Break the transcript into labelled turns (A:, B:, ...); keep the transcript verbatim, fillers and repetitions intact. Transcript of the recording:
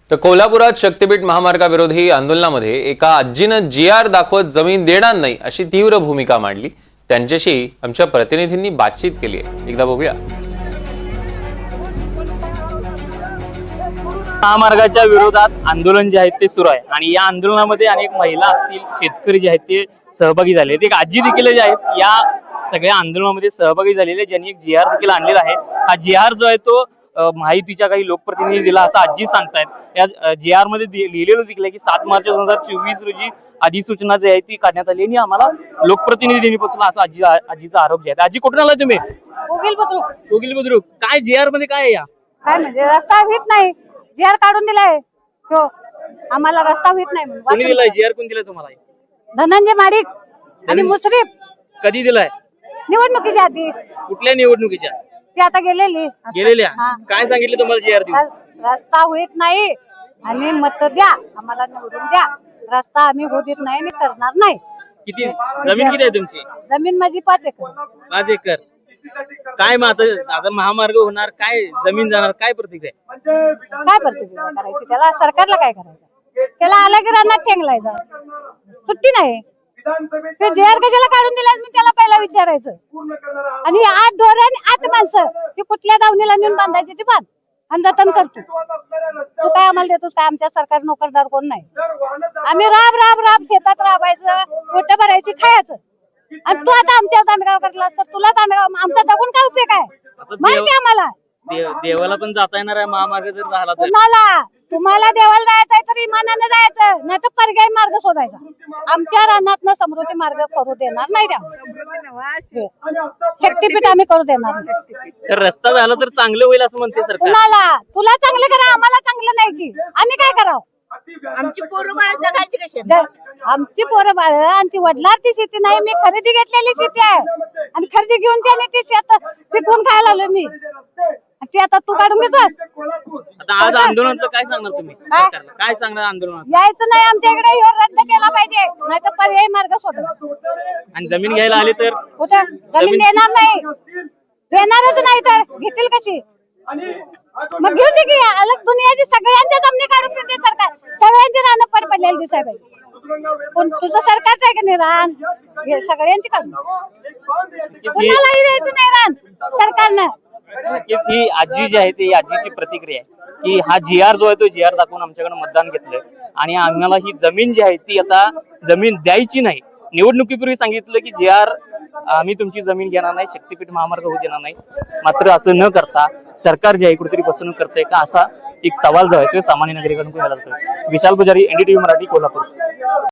A: तर कोल्हापुरात शक्तीपीठ महामार्गाविरोधी आंदोलनामध्ये एका आजीनं जी आर दाखवत जमीन देणार नाही अशी तीव्र भूमिका मांडली। त्यांच्याशी आमच्या प्रतिनिधींनी बातचीत केली आहे, एकदा बघूया।
B: महामार्गाच्या विरोधात आंदोलन जे आहे ते सुरू आहे आणि या आंदोलनामध्ये अनेक महिला असतील, शेतकरी जे आहेत ते सहभागी झाले आहेत। एक आजी देखील जे आहेत या सगळ्या आंदोलनामध्ये सहभागी झालेले, ज्यांनी एक जी आर देखील आणलेला आहे। हा जी आर जो आहे तो माहितीच्या काही लोकप्रतिनिधी दिला असं आजी सांगतायत। या जी आर मध्ये लिहिलेलं देखील आहे की सात मार्च दोन हजार चोवीस रोजी अधिसूचना जी आहे ती काढण्यात आली आणि आम्हाला लोकप्रतिनिधींनी पासून असा आजी आजीचा आरोप जे आहे। आजी कुठून आला तुम्ही?
C: कोगिल बुद्रुक।
B: कोगिल बुद्रुक, काय जी आर मध्ये काय आहे? या
C: काय म्हणजे रस्ता होत नाही, जी आर काढून दिलाय तो, आम्हाला रस्ता होत नाही म्हणून।
B: कोणी दिलाय जी आर? कोण दिलाय तुम्हाला?
C: धनंजय माडिक आणि मुश्रीफ।
B: कधी दिलाय?
C: निवडणुकीच्या आधी।
B: कुठल्या निवडणुकीच्या?
C: ती आता गेलेली
B: गेलेल्या। काय सांगितलं तुम्हाला जी आर देऊन?
C: रस्ता होत नाही आणि मत द्या, आम्हाला निवडून द्या, रस्ता आम्ही होऊ देत नाही आणि करणार नाही।
B: किती जमीन किती आहे तुमची?
C: जमीन माझी पाच एकर।
B: पाच एकर काय मग आता आता महामार्ग होणार, काय जमीन जाणार, काय प्रतिक्रिया?
C: काय प्रतिक्रिया करायची त्याला? सरकारला काय करायचं? त्याला आला की रानात ठेंगलायचा, सुट्टी नाही। ते जे आर कशाला काढून दिलास मी त्याला पहिला विचारायचं। आणि आठ ढोर आणि आठ माणसं ती कुठल्या दावणीला नेऊन बांधायची ती बांध आणि जतन करतो। तू काय आम्हाला देतोस काय? आमच्या सरकार नोकरदार कोण नाही। आम्ही राब राब राब शेतात राबायचं, पोट भरायची, खायचं। आणि तू आता आमच्या तांडगाव करलास तर तुला तांडगाव आमचा जगून काय उपयोग आहे? माहिती आम्हाला
B: देवाला पण जाता येणार आहे महामार्ग जर झाला तर?
C: कुणाला? तुम्हाला देवाला जायचंय तर इमानाने जायचं, नाही तर पर्यायी मार्ग शोधायचा। आमच्या रानात समृद्धी मार्ग करू देणार नाही त्या शक्तीपीठ आम्ही करू देणार।
B: तर रस्ता झाला तर चांगलं होईल असं म्हणते सरकार।
C: कुणाला? तुला चांगलं करा, आम्हाला चांगलं नाही की आम्ही काय करावं?
D: आमची पोरं बाळ जगायची कशी?
C: आमची पोरं बाळ आणि ती वडिलांची शेती नाही, मी खरेदी घेतलेली शेती आहे आणि खरेदी घेऊन ज्याने ती शेत पिकवून खायला आलो मी, ती आता तू काढून घेतोस?
B: आता आज आंदोलनाचं काय सांगणार तुम्ही? काय सांगणार आंदोलनात?
C: यायचं नाही आमच्या इकडे, हे रद्द केला पाहिजे, नाही तर पर्यायी मार्ग शोधा।
B: आणि जमीन घ्यायला आले तर?
C: कुठं जमीन देणार नाही, देणारच नाही तर घेतील कशी? मग घेऊ दे की, अलग दुनियाची सगळ्यांच्या जमिनी काढून घेते सरकार, सगळ्यांची रानं पड पडलेली दिसाय पाहिजे। पण तुझं सरकारच आहे की नाही रान? हे सगळ्यांची काढून कुणालाही द्यायचं नाही रान सरकारनं।
B: नक्कीच ही आजी जी आहे ती आजीची प्रतिक्रिया आहे की हा जी आर जो आहे तो जी आर दाखवून आमच्याकडे मतदान घेतलंय आणि आम्हाला ही जमीन जी आहे ती आता जमीन द्यायची नाही। निवडणुकीपूर्वी सांगितलं की जी आर आम्ही तुमची जमीन घेणार नाही, शक्तीपीठ महामार्ग होऊ देणार नाही। मात्र असं न करता सरकार जे आहे कुठेतरी फसवणूक करते का, असा एक सवाल जो आहे तो सामान्य नागरिकांकडून केला जातोय। विशाल पुजारी, एनडीटीव्ही मराठी, कोल्हापूर।